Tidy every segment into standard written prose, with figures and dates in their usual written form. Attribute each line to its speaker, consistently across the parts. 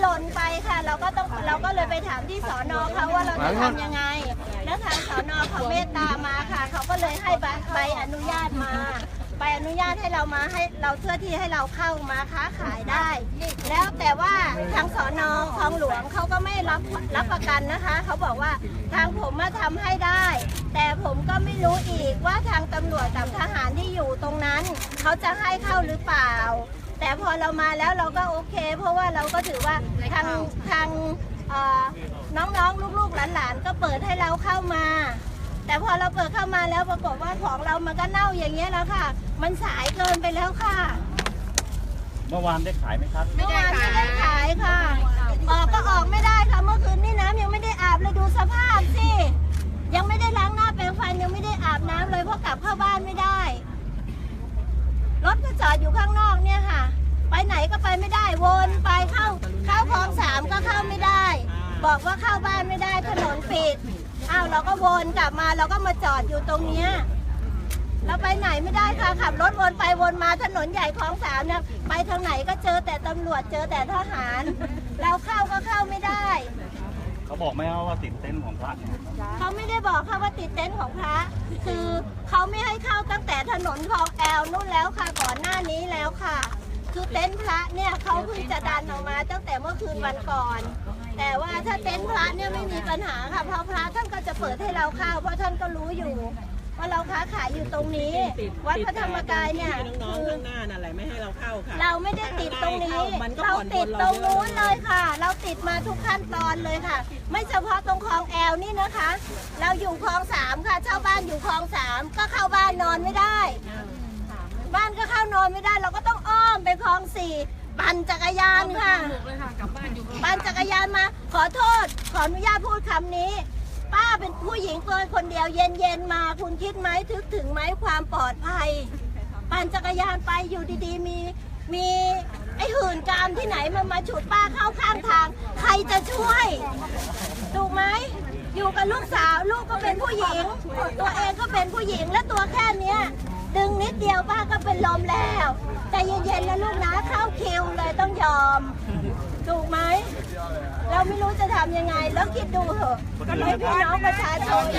Speaker 1: หล่นไปค่ะเราก็เลยไปถามที่สน.เขาว่าเราจะทำยังไงแล้วทางสน.เขาเมตตามาค่ะเขาก็เลยให้ใบอนุญาตมาใบอนุญาตให้เรามาให้เราเพื่อที่ให้เราเข้ามาค้าขายได้ แล้วแต่ว่าทางสน.คลองหลวงเขาก็ไม่รับประกันนะคะเขาบอกว่าทางผมมาทำให้ได้ แต่ผมก็ไม่รู้อีกว่าทางตำรวจกับทหารที่อยู่ตรงนั้นเขาจะให้เข้าหรือเปล่าแต่พอเรามาแล้วเราก็โอเคเพราะว่าเราก็ถือว่าทางน้องๆลูกๆหลานๆก็เปิดให้เราเข้ามาแต่พอเราเปิดเข้ามาแล้วปรากฏว่าของเรามันก็เน่าอย่างเงี้ยแล้วค่ะมันสายเกินไปแล้วค่ะ
Speaker 2: เมื่อวานได้ขายไหมครับ
Speaker 1: เมื่อวานไม่ได้ขายค่ะก็ออกไม่ได้ค่ะเมื่อคืนนี่น้ำยังไม่ได้อาบเลยดูสภาพสิยังไม่ได้ล้างหน้าแปรงฟันยังไม่ได้อาบน้ำเลยเพราะกลับเข้าบ้านไม่ได้รถก็จอดอยู่ข้างนอกเนี่ยค่ะไปไหนก็ไปไม่ได้วนไปเข้าคลอง3ก็เข้าไม่ได้บอกว่าเข้าบ้านไม่ได้ถนนปิดเราก็วนกลับมาเราก็มาจอดอยู่ตรงเนี้ยเราไปไหนไม่ได้ค่ะขับรถวนไปวนมาถนนใหญ่คลอง3เนี่ยไปทางไหนก็เจอแต่ตำรวจเจอแต่ทหารเราเข้าก็เข้าไม่ได้
Speaker 2: เขาบอกไหมว่าติดเต็นท์ของพระ
Speaker 1: เขาไม่ได้บอกค่ะว่าติดเต็นท์ของพระคือเขาไม่ให้เข้าตั้งแต่ถนนคลองแอลนู่นแล้วค่ะก่อนหน้านี้แล้วค่ะคือเต็นท์พระเนี่ยเขาเพิ่งจะดันออกมาตั้งแต่เมื่อคืนวันก่อนแต่ว่าถ้าเต็นท์พระเนี่ยไม่มีปัญหาค่ะเพราะพระท่านก็จะเปิดให้เราเข้าเพราะท่านก็รู้อยู่ว่าเราค้าขายอยู่ตรงนี้วัดพระธรรมกายเนี่ยคือ
Speaker 3: ข้างหน้านั่นแหละไม่ให้เราเข้าค่ะ
Speaker 1: เราไม่ได้ติดตรงนี้เราติดตรงนู้นเลยค่ะเราติดมาทุกขั้นตอนเลยค่ะไม่เฉพาะตรงคลองแอลนี่นะคะเราอยู่คลอง3ค่ะเช่าบ้านอยู่คลอง3ก็เข้าบ้านนอนไม่ได้บ้านก็เข้านอนไม่ได้เราก็ต้องอ้อมไปคลอง4ปั่นจักรยานค่ะปั่นจักรยานมาขอโทษขออนุญาตพูดคำนี้ป้าเป็นผู้หญิงคนเดียวเย็นๆมาคุณคิดไหมถึงไหมความปลอดภัยปั่นจักรยานไปอยู่ดีๆมีไอ้หื่นกามที่ไหนมาฉุดป้าเข้าข้างทางใครจะช่วยถูกไหมอยู่กับลูกสาวลูกก็เป็นผู้หญิงตัวเองก็เป็นผู้หญิงและตัวแค่เนี้ยดึงนิดเดียวป้าก็เป็นลมแล้วแต่เย็นๆแล้วลูกนะเข้าคิวเลยต้องยอมถูกไหมเราไม่รู้จะทำยังไงแล้วคิดดูเถอะให้พี่น้องประชาชน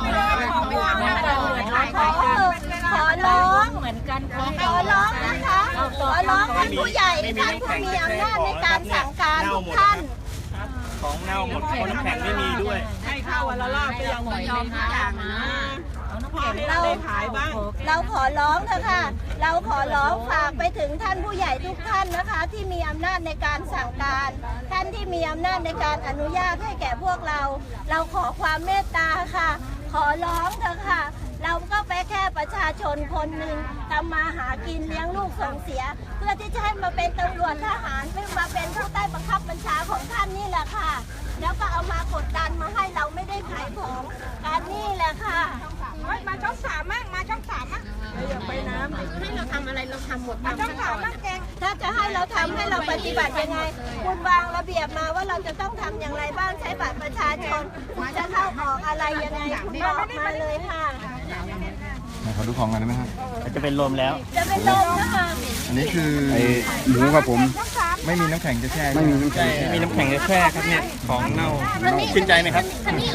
Speaker 1: ขอร้องเหมือนกันขอร้องนะคะขอร้องท่านผู้ใหญ่ท่านผู้มีอำนาจในการสั่งการทุกท่าน
Speaker 2: ของเน่าหมดคนน้ำแข็งไม่มีด้วย
Speaker 3: ให้เข้าวันละรอบก็ยังไม่ยอมทุกอย่างนะเราขายบ้าง
Speaker 1: เราขอร้องเถอะค่ะเราขอร้องฝากไปถึงท่านผู้ใหญ่ทุกท่านนะคะที่มีอำนาจในการสั่งการท่านที่มีอำนาจในการอนุญาตให้แก่พวกเราขอความเมตตาค่ะขอร้องเถอะค่ะเราก็ไปแค่ประชาชนคนหนึ่งทำมาหากินเลี้ยงลูกส่งเสียเพื่อที่จะให้มาเป็นตำรวจทหารเพื่อมาเป็นผู้ใต้บังคับบัญชาของท่านนี่แหละค่ะแล้วก็เอามากดดันมาให้เราไม่ได้ขายของการนี่แหละค่ะ
Speaker 3: มาช่อง3มั่งมาช่อง3มั่งอย่าไปน้ำให้เราทำอะไรเราทำหมดมาช่อง3มั่งแกง
Speaker 1: ถ้าจะให้เราทำให้เราปฏิบัติยังไงคุณวางระเบียบมาว่าเราจะต้องทำอย่างไรบ้างใช้บัตรประชาชนจะเข้าออกอะไรยังไงคุณบอกมาเลยค่ะ
Speaker 4: ขอดูของกันได้ไหมครับ
Speaker 2: จะเป็นลมแล้ว
Speaker 1: จะเป็นลมนะคะ
Speaker 4: อันนี้คือหมูครับผมไม่มีน้ำแข็งจะแช่
Speaker 2: ไม่มีน้ำแข็งมีน้ำแข็งจะแช่ครับเนี่ยของเน่าชื่นใจไหมครับ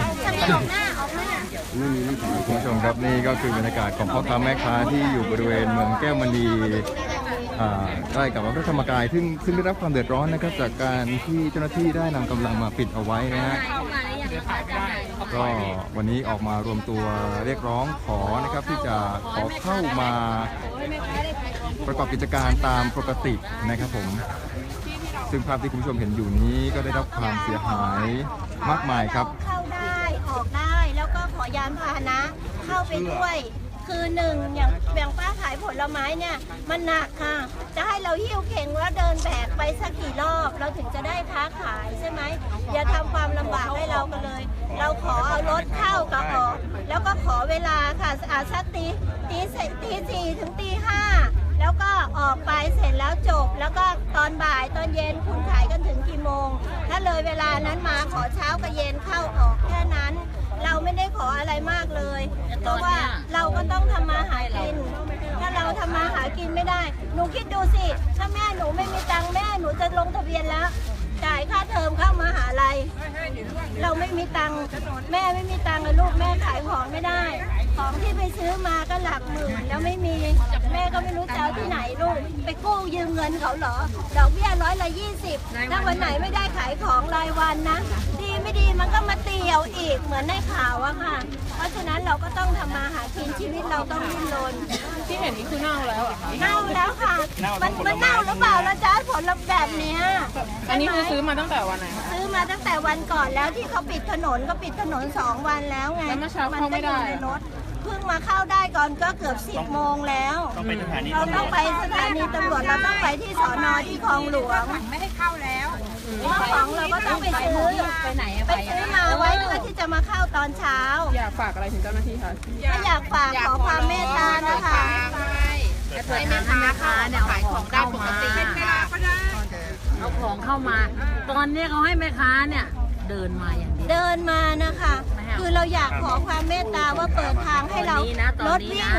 Speaker 4: คุณผู้ชมครับนี่ก็คือบรรยากาศของพ่อค้าแม่ค้าที่อยู่บริเวณเมืองแก้วมณีใกล้กับวัดพระธรรมกายซึ่งได้รับความเดือดร้อนนะครับจากการที่เจ้าหน้าที่ได้นำกำลังมาปิดเอาไว้นะฮะก็วันนี้ออกมารวมตัวเรียกร้องขอนะครับที่จะขอเข้ามาประกอบกิจการตามปกตินะครับผมซึ่งภาพที่คุณผู้ชมเห็นอยู่นี้ก็ได้รับความเสียหายมากมายครับ
Speaker 1: เข้าได้ออกได้แล้วก็ขอยานพาหนะเข้าไปด้วยคือหนึ่งอย่างป้าขายผลไม้เนี่ยมันหนักค่ะจะให้เราหิ้วเข่งแล้วเดินแบกไปสักกี่รอบเราถึงจะได้ค้าขายใช่ไหมอย่าทำความลำบากให้เรากันเลยเราขอเอารถเข้ากับออกแล้วก็ขอเวลาค่ะสักตี4ถึงตี5แล้วก็ออกไปเสร็จแล้วจบแล้วก็ตอนบ่ายตอนเย็นคุณขายกันถึงกี่โมงถ้าเลยเวลานั้นมาขอเช้ากับเย็นเข้าออกแค่นั้นเราไม่ได้ขออะไรมากเลยเพราะว่าเราก็ต้องทำมาหากินถ้าเราทำมาหากินไม่ได้หนูคิดดูสิถ้าแม่หนูไม่มีตังค์แม่หนูจะลงทะเบียนแล้วจ่ายค่าลัยเราไม่มีตังค์แม่ไม่มีตังค์เลยลูกแม่ขายของไม่ได้ ของที่ไปซื้อมาก็หลักหมื่นแล้วไม่มีแม่ก็ไม่รู้จะเอาที่ไหนลูกไปกู้ยืมเงินเขาเหรอดอกเบี้ย120ถ้าวันไหนไม่ได้ขายของรายวันนะดีไม่ดีมันก็มาเตียวอีกเหมือนในข่าวอะค่ะเพราะฉะนั้นเราก็ต้องทำมาหากินชีวิตเราต้องดิ้นรน
Speaker 3: ที่เห็นนี่คือเน่าแล้วเหรอคะ
Speaker 1: เน่าแล้วค่ะมันเน่าหรือเปล่าล่ะจ๊ะผลลัพธ์แบบเนี้ย
Speaker 3: อันนี้คือซื้อมาตั้งแต่วันไหนคะ
Speaker 1: ซื้อมาตั้งแต่วันก่อนแล้วที่เขาปิดถนนก็ปิดถนน2 วันแล้วไง
Speaker 3: แล้วเมื่อเช้าเข้าไม่ได้
Speaker 1: นก็อยู่ในรถเพิ่งมาเข้าได้ก่อนก็เกือบ10 โมงแล้ว
Speaker 2: ต้องไปสถานี
Speaker 1: เราต้องไปสถานีตำรวจเราต้องไปที่สอนอที่คลองหลวง
Speaker 3: ไม่ให้เข้าแล้ว
Speaker 1: เพราะของเราก็ต้องไปซื้อไปซื้อมาไว้เพื่อที่จะมาเข้าตอนเช้า
Speaker 3: อยากฝากอะไรถึงเจ้าหน้าที่คะ
Speaker 1: ก็อยากฝากขอความเมตตานะคะ
Speaker 5: ให้แม่ค้าเนี่ยเอาของเข้ามาเอาของเข้ามา ตอนนี้เขาให้แม่ค้าเนี่ยเดินมาอย่างเดียว
Speaker 1: เดินมานะคะ คือเราอยากขอความเมตตาว่าเปิดทางให้เรารถวิ่ง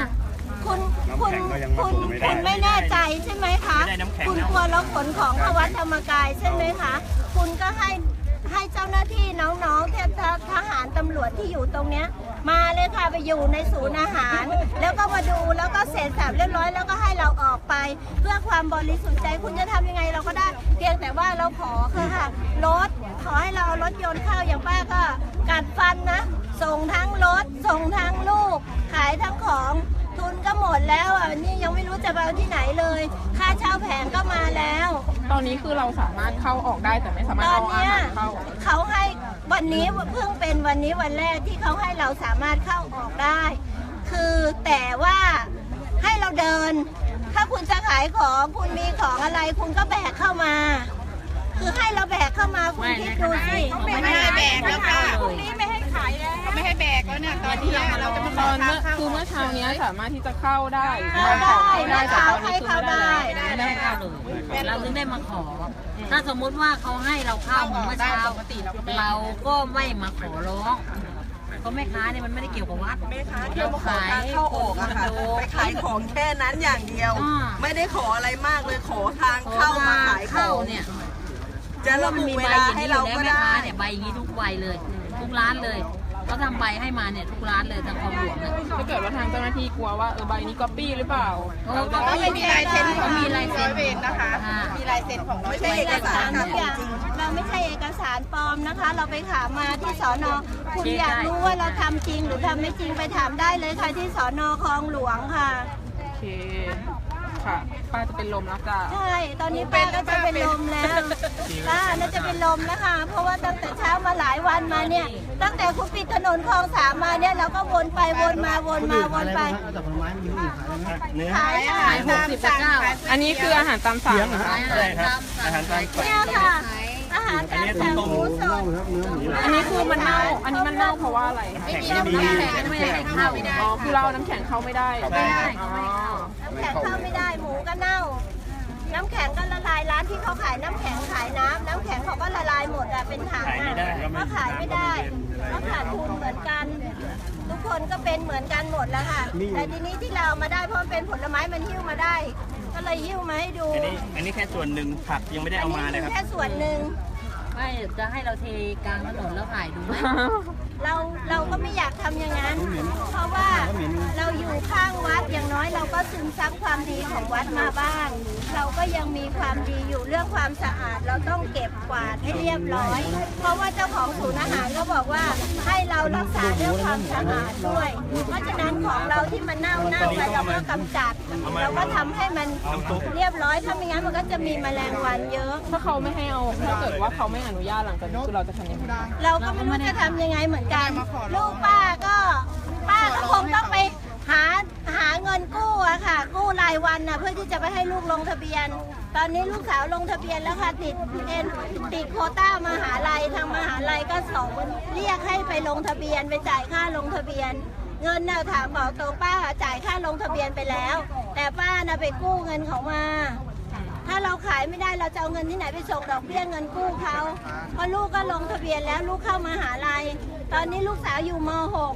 Speaker 1: คุณไม่แน่ใจใช่ไหมคะ คุณกลัวเราขนของเข้าวัดธรรมกายใช่ไหมคะ คุณก็ให้เจ้าหน้าที่น้องๆทหารตำรวจที่อยู่ตรงเนี้ยมาเลยค่ะไปอยู่ในศูนย์อาหาร แล้วก็มาดูแล้วก็เสร็จสับเรียบร้อยแล้วก็ให้เราออกไป เพื่อความบริสุทธิ์ใจคุณจะทำยังไงเราก็ได้ เพียงแต่ว่าเราขอค่ะรถขอให้เราเอารถยนต์เข้าอย่างป้าก็กัดฟันนะส่งทั้งรถส่งทั้งลูก ขายทั้งของทุนก็หมดแล้วอ่ะนี่ยังไม่รู้จะไปเอาที่ไหนเลย ค่าเช่าแผงก็มาแล้ว
Speaker 3: ตอนนี้คือเราสามารถเข้าออกได้แต่ไม่สามารถ
Speaker 1: ตอน
Speaker 3: เอาอา
Speaker 1: เนี้ย
Speaker 3: หารเข้า
Speaker 1: เขาให้วันนี้เพิ่งเป็นวันนี้วันแรกที่เขาให้เราสามารถเข้าออกได้ คือแต่ว่าให้เราเดิน ถ้าคุณจะขายของคุณมีของอะไรคุณก็แบกเข้ามา คือให้เราแบกเข้ามาคุณคิดดูสิ
Speaker 5: ไม่ให้แบกแล้วค่ะ
Speaker 3: พรุ่งนี้ไม่ให้ขายแล้วไม่ให้แบกแล้วเนี่ยตอนที่เราจะมาตอนเมื่อเช้านี้สามารถที่จะเข้าได้
Speaker 1: เข้าได้นะ
Speaker 3: แต่
Speaker 1: คะ
Speaker 3: ตอนนี้
Speaker 1: ให้
Speaker 3: คือ
Speaker 1: เข้า
Speaker 3: ไม่
Speaker 1: ได้
Speaker 3: ได้
Speaker 5: ไม่ได้เข้าเลยเราถึงได้มาขอ ถ้าสมมุติว่าเขาให้เราเข้าเหมือนเมื่อเช้า เราก็ไม่มาขอร้องเพราะแม่ค้าเนี่ยมันไม่ได้เกี่ยวกับวัด
Speaker 6: แม่ค้าที่มาขอทางเข้าออกอะค่ะไปขายของแค่นั้นอย่างเดียว ไม่ได้ขออะไรมากเลยขอทางเข้ามาขายข
Speaker 5: เข้า
Speaker 6: อง
Speaker 5: เนี่ย
Speaker 6: จะระบุเวลาให้เราก็
Speaker 5: แม่
Speaker 6: ได้
Speaker 5: ค้าเนี่ยใบอย่างนี้ทุกใบเลย ทุกร้านเลยเขาทำใบให้มาเนี่ยทุกร้านเลยทางคลองหลวงเนี่ย
Speaker 3: ถ้าเกิดว่าทางเจ้าหน้าที่กลัวว่าใบนี้ก๊อปปี้หรือเปล่า
Speaker 5: เขาไม่มีลายเซ็นเขามีลายเซ็นนะคะ
Speaker 6: มีลายเซ็นของไม่ใช่เอกสาร
Speaker 1: ทุ
Speaker 6: ค่ะ
Speaker 1: กอย่างเราไม่ใช่เอกสารปลอมนะคะ เราไปถามมาที่สอนอคุณอยากรู้ว่าเราทำจริงหรือทำไม่จริงไปถามได้เลยค่ะที่สอนอคลองหลวงค่ะ
Speaker 3: โอเค ค่ะ ป้าจะเป็นลมแล้วจ้ะ
Speaker 1: ใช่ ตอนนี้ป้าก็จะเป็นลมแล้วป้าน่าจะเป็นลมแล้วค่ะ เพราะว่าตั้งแต่เช้ามาหลายวันมาเนี่ย ตั้งแต่คุณปิดถนนคลอง3มาเนี่ยเราก็วนไปวนมาวนมาวนไป
Speaker 2: เนื้อ
Speaker 1: ขายอาหาร
Speaker 5: ขาย60กับ9
Speaker 3: อันนี้คืออาหารตามสั่งเหรอคะ
Speaker 2: ใช่ครับอาหารตามสั่ง
Speaker 1: เนี่ยค่ะ อาหารตามสั่งหมูสด
Speaker 3: อันนี้คือมันเน่า อันนี้มันเน่าเพราะว่าอะไรคะ
Speaker 2: แข็งไม่ดี
Speaker 5: ไม่ให้เข้าไม่ได้
Speaker 3: อ๋อ คือเราเอาน้ำแข็งเข้าไม่ได้
Speaker 2: ใช่
Speaker 3: อ๋อ
Speaker 1: น้ำแข็งเข้าไม่ได้ หมูก็เน่า น้ำแข็งก็ละลายร้านที่เขาขายน้ำแข็งขายน้ำแข็งเขาก็ละลายหมดอะเป็นถัง
Speaker 2: ขายไม่ได้
Speaker 1: ก็ขายไม่ได้ก็ขาดทุนเหมือนกัน ทุกคนก็เป็นเหมือนกันหมดแล้วค่ะ แต่ทีนี้ที่เราเอามาได้เพราะมันเป็นผลไม้มันหิ้วมาได้ ก็เลยหิ้วมาให้ดู
Speaker 2: อันนี้แค่ส่วนหนึ่งผักยังไม่ได้เอามาเลยครับ
Speaker 1: แค่ส่วนหนึ่ง
Speaker 5: ไม่จะให้เราเทกลางถนนแล้วถ่ายดูไหม
Speaker 1: เราก็ไม่อยากทำอย่างนั้น เพราะว่าเราอยู่ข้างวัดอย่างน้อยเราก็ซึมซับความดีของวัดมาบ้าง เราก็ยังมีความดีอยู่เรื่องความสะอาด เราต้องเก็บกวาดให้เรียบร้อย เพราะว่าเจ้าของศูนย์อาหารก็บอกว่าให้เรารักษาเรื่องความสะอาดด้วย เพราะฉะนั้นของเราที่มันเน่าไปเราก็กำจัด เราก็ทำให้มันเรียบร้อยถ้าไม่งั้นมันก็จะมีแมลงวันเยอะ
Speaker 3: ถ้าเขาไม่ให้เอา ถ้าเกิดว่าเขาไม่อนุญาตหลังจากนี้คือเราจะทำยังไง
Speaker 1: เราก็ไม่รู้จะทำยังไงเหมือนกัน ลูกป้าก็คงต้องไปหาเงินกู้อะค่ะ กู้รายวันนะเพื่อที่จะไปให้ลูกลงทะเบียน ตอนนี้ลูกสาวลงทะเบียนแล้วค่ะติดโควต้ามหาลัยทางมหาลัยก็เรียกให้ไปลงทะเบียนไปจ่ายค่าลงทะเบียน เงินน่ะถามบอกตรงป้าจ่ายค่าลงทะเบียนไปแล้ว แต่ป้าน่ะไปกู้เงินเขามา ถ้าเราขายไม่ได้เราจะเอาเงินที่ไหนไปส่งดอกเบี้ยเงินกู้เขาเพราะลูกก็ลงทะเบียนแล้วลูกเข้ามหาลัย ตอนนี้ลูกสาวอยู่ม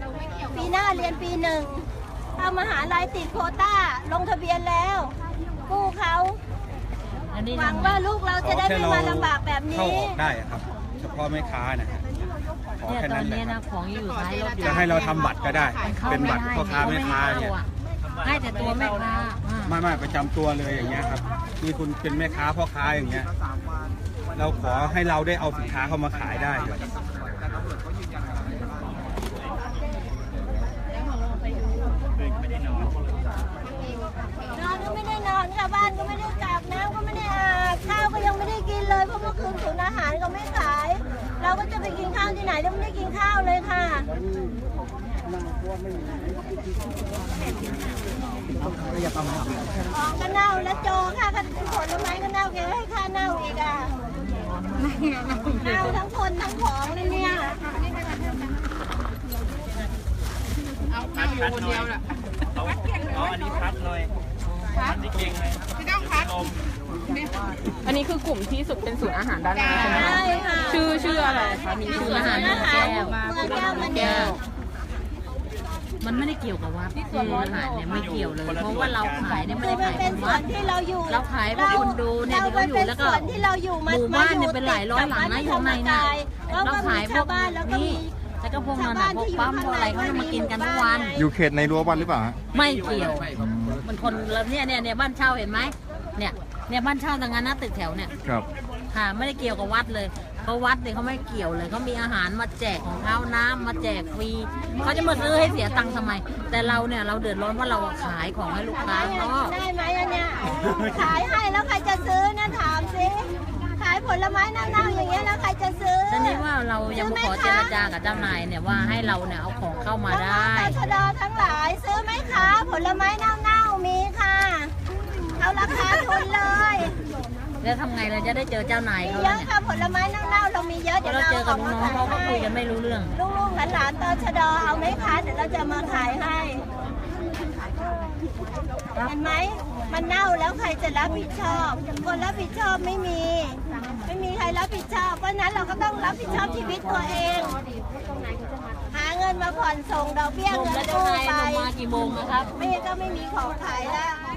Speaker 1: .6 ปีหน้าเรียนปี 1เข้ามหาลัยติดโควต้าลงทะเบียนแล้ว กู้เขา
Speaker 5: อันนี้
Speaker 1: หวังว่าลูกเราจะได้ไม่มาลำบากแบบนี้
Speaker 2: เข้าออกได้ครับ
Speaker 1: ค
Speaker 2: เฉพาะแม่ค้านะฮะขอ
Speaker 5: เนี่ย
Speaker 2: แค่
Speaker 5: ตอ
Speaker 2: นั้น นแหละ
Speaker 5: นี้
Speaker 2: ครั
Speaker 5: นะ
Speaker 2: บ
Speaker 5: ของอยู่ท้ายรถอยู่
Speaker 2: จะให้เราทำบัตรก็ได้ เป็นบัตรพ่อค้าแม่ค้าเนี่ย
Speaker 5: ให้แต่ตัวแม่ค้า
Speaker 2: ไม่ประจำตัวเลยอย่างเงี้ยครับที่คุณเป็นแม่ค้าพ่อค้าอย่างเงี้ยเราขอให้เราได้เอาสินค้าเข้ามาขายได้ครับ
Speaker 1: นอนก็ไม่ได้นอนค่ะบ้านก็ไม่ได้กลับน้ำก็ไม่ได้อาบข้าวก็ยังไม่ได้กินเลยเพราะเมื่อคืนศูนย์อาหารก็ไม่ขาย เราก็จะไปกินข้าวที่ไหนเราไม่ได้กินข้าวเลยค่ะของก็เน่าแล้วโจค่ะผลไม้ก็เน่าแกให้ค่าเน่าอีกอ่ะเน่าทั้งคนทั้งของเลยเนี่ย
Speaker 3: พัดอยู่คนเดียวแหละ
Speaker 2: อันนี้พัดเลยพัดเก่งเลย
Speaker 3: ไม่ต้องพัด
Speaker 7: อันนี้คือกลุ่มที่สุดเป็นศูนย์อาหารด้านหน้าใช่ไหมคะ
Speaker 1: ใช่ค่ะ
Speaker 7: ชื่ออะไรคะมีชื่อ
Speaker 5: อาหาร
Speaker 1: อา
Speaker 5: แก้
Speaker 1: หาร
Speaker 5: ว
Speaker 1: เมืองแก้วมันเนี่ย
Speaker 5: มันไม่ได้เกี่ยวกับวัดอาหารเนี่ยไม่เกี่ยวเลย เพราะว่าเราขายเนี่ยไม่
Speaker 1: คือ
Speaker 5: ได้
Speaker 1: มัน
Speaker 5: ขาย
Speaker 1: เป็น
Speaker 5: ของ
Speaker 1: ส่ว
Speaker 5: วัด
Speaker 1: นที่เราอยู่
Speaker 5: เราขายเพื่อคนดูเนี่ย
Speaker 1: เรา
Speaker 5: ที่เขาอยู่
Speaker 1: เป็น
Speaker 5: แล้วก็
Speaker 1: ส่วนที่เราอยู่
Speaker 5: หมู่บ้านเนี่ยเป็นหลายร้อยหลังนะอยู่ในน่ะ
Speaker 1: แล้ว
Speaker 5: เรา
Speaker 1: ก็
Speaker 5: ขา
Speaker 1: มี
Speaker 5: ยพว
Speaker 1: ชาก วบ้านแล้วก็
Speaker 5: นี่
Speaker 1: มี
Speaker 5: แล้วก็พวกนั้นน่ะพวกปั๊มพวกอะไรเขาจะมากินกันทุกวัน
Speaker 4: อยู่เขตในรั้ววัดหรือเปล่าฮะ
Speaker 5: ไม่เกี่ยวมันคนละเนี่ยบ้านเช่าเห็นไหมเนี่ยบ้านเช่าตรงนั้นนะตึกแถวเนี่ย
Speaker 4: ครับ
Speaker 5: ค่ะไม่ได้เกี่ยวกับวัดเลยเพราะวัดเนี่ยเขาไม่เกี่ยวเลยเขามีอาหารมาแจกของเขาน้ำมาแจกฟรีเขาจะมาซื้อให้เสียตังค์ทำไม แต่เราเนี่ยเราเดือดร้อนว่าเราขายของให้ลูกค้าเนาะ
Speaker 1: ได้ไหมอันเนี้ยขายให้แล้วใครจะซื้อนะถามสิขายผลไม้เน่าๆอย่างเงี้ยแล้วใครจะซื้อ
Speaker 5: ตอนนี้ว่าเรายังมาขอเจรจากับเจ้านายเนี่ยว่าให้เราเนี่ยเอาของเข้ามาได้
Speaker 1: ตชดทั้งหลายซื้อไหมคะผลไม้เน่าๆมีค่ะเอาราคาทุนเลย
Speaker 5: แล้วทำไงเราจะได้เจอเจ้านาย
Speaker 1: มี
Speaker 5: เขา
Speaker 1: เย
Speaker 5: แล้ว
Speaker 1: อะ
Speaker 5: เนี่ย
Speaker 1: ค่ะผลไม้เน่าๆเรามีเยอะ
Speaker 5: เพราะเราเจอกับน้องๆเขาก็คุยกันไม่รู้เรื่อง
Speaker 1: ลูกๆหลานๆตชดเอาไหมคะเดี๋ยวเราจะมาขายให้เห็นไหมมันเน่าแล้วใครจะรับผิดชอบคนรับผิดชอบไม่มีใครรับผิดชอบเพราะฉะนั้นเราก็ต้องรับผิดชอบชีวิตตัวเอง หาเงินมาผ่อนส่งดอกเบี้ย
Speaker 5: ลง
Speaker 1: เงิ
Speaker 5: แล้ว
Speaker 1: น
Speaker 5: เจ้า
Speaker 1: กู้
Speaker 5: นาย
Speaker 1: ไป
Speaker 5: ลงมากี่โมงนะครับ
Speaker 1: ไม่ก็ไม่มีของขายแล้ว